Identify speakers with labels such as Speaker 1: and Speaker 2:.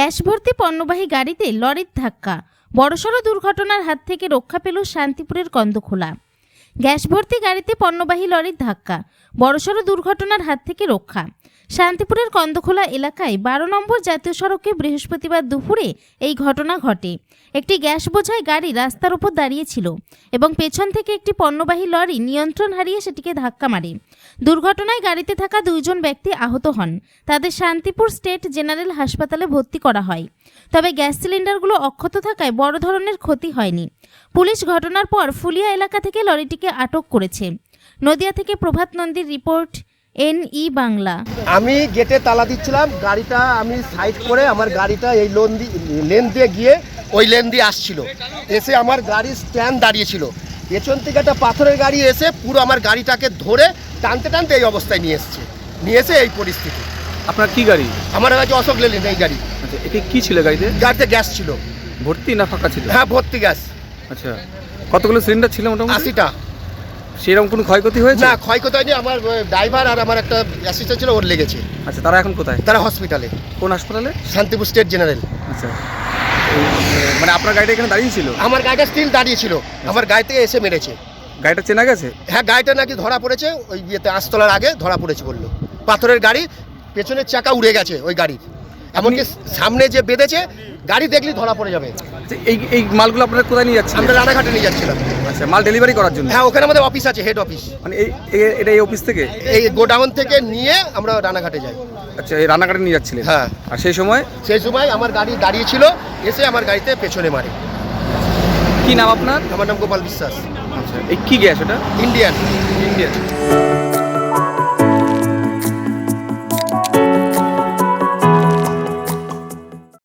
Speaker 1: Gas ভর্তি পণ্যবাহী গাড়িতে লরির ধাক্কা, বড়সড় দুর্ঘটনার হাত থেকে রক্ষা পেল শান্তিপুরের কন্দখোলা। গ্যাস ভর্তি গাড়িতে পণ্যবাহী লরির ধাক্কা, বড়সড় দুর্ঘটনার হাত থেকে রক্ষা। শান্তিপুরের কন্দখোলা এলাকায় 12 নম্বর জাতীয় সড়কে বৃহস্পতিবার দুপুরে এই ঘটনা ঘটে। একটি গ্যাস বোঝাই গাড়ি রাস্তার উপর দাঁড়িয়েছিল এবং পেছন থেকে একটি পণ্যবাহী লরি নিয়ন্ত্রণ হারিয়ে সেটিকে ধাক্কা মারে। দুর্ঘটনায় গাড়িতে থাকা 2 জন ব্যক্তি আহত হন। তাদের শান্তিপুর স্টেট জেনারেল হাসপাতালে ভর্তি করা হয়। তবে গ্যাস সিলিন্ডারগুলো অক্ষত থাকায় বড় ধরনের ক্ষতি হয়নি। পুলিশ ঘটনার পর ফুলিয়া এলাকা থেকে লরিটিকে আটক করেছে। নদিয়া থেকে প্রভাত নন্দীর রিপোর্ট, NE বাংলা।
Speaker 2: আমি গেটে তালা দিচ্ছিলাম, গাড়িটা আমি সাইড করে আমার গাড়িটা এই লেন দিয়ে গিয়ে ওই লেন দিয়ে আসছিল। এসে আমার গাড়ির স্ট্যান্ড দাঁড়িয়েছিল, পেছন থেকে একটা পাথরের গাড়ি এসে পুরো আমার গাড়িটাকে ধরে টানতে টানতে এই অবস্থায় নিয়ে এসে এই পরিস্থিতি।
Speaker 3: আপনার কি গাড়ি?
Speaker 2: আমার কাছে অশোক লেল্যান্ড এই গাড়ি।
Speaker 3: আচ্ছা, এটা কি ছিল গাড়িতে?
Speaker 2: গাড়িতে গ্যাস ছিল।
Speaker 3: ভর্তি না ফাঁকা ছিল?
Speaker 2: হ্যাঁ, ভর্তি গ্যাস।
Speaker 3: আচ্ছা, কতগুলো সিলিন্ডার ছিল মোটামুটি?
Speaker 2: 80টা।
Speaker 3: সেরকম কোনো ক্ষয়ক্ষতি হয়েছে?
Speaker 2: না, ক্ষয়ক্ষতি হয়নি। আমার ড্রাইভার আর আমার একটা অ্যাসিস্ট্যান্ট ছিল, ওর লেগেছে।
Speaker 3: আচ্ছা, তারা এখন কোথায়?
Speaker 2: তারা হসপিটালে।
Speaker 3: কোন হাসপাতালে?
Speaker 2: Shantipur state general.
Speaker 3: আচ্ছা, মানে আপনার গাড়িটা এখানে দাঁড়িয়ে ছিল?
Speaker 2: আমার গাড়িটা স্টিল দাঁড়িয়ে ছিল, আমার গাড়ি থেকে এসে মেরেছে।
Speaker 3: গাড়িটা চেনা গেছে?
Speaker 2: হ্যাঁ, গাড়িটা নাকি ধরা পড়েছে ওই ইয়েতে, আস্তলার আগে ধরা পড়েছে বললো। পাথরের গাড়ি, পেছনের চাকা উড়ে গেছে ওই গাড়ির, এমনকি সামনে যে বেঁধেছে গাড়ি দেখলেই ধরা পড়ে যাবে।
Speaker 3: এই মালগুলো আপনারা কোথায় নিয়ে যাচ্ছেন?
Speaker 2: আমরা রানাঘাটে নিয়ে যাচ্ছিলাম।
Speaker 3: আচ্ছা, মাল ডেলিভারি করার জন্য?
Speaker 2: হ্যাঁ, ওখানে আমাদের অফিস আছে, হেড অফিস।
Speaker 3: মানে এটা এই অফিস থেকে?
Speaker 2: এই গোডাউন থেকে নিয়ে আমরা রানাঘাটে যাই।
Speaker 3: আচ্ছা, এই রান্নাঘাটে নিয়ে যাচ্ছিলেন?
Speaker 2: হ্যাঁ।
Speaker 3: আর সেই সময়
Speaker 2: আমার গাড়ি দাঁড়িয়ে ছিল, এসে আমার গাড়িতে পেছনে মারে।
Speaker 3: কি নাম আপনার?
Speaker 2: আমার নাম গোপাল বিশ্বাস।
Speaker 3: আচ্ছা, এই কি গ্যাস এটা?
Speaker 2: ইন্ডিয়ান।
Speaker 3: ইন্ডিয়ান।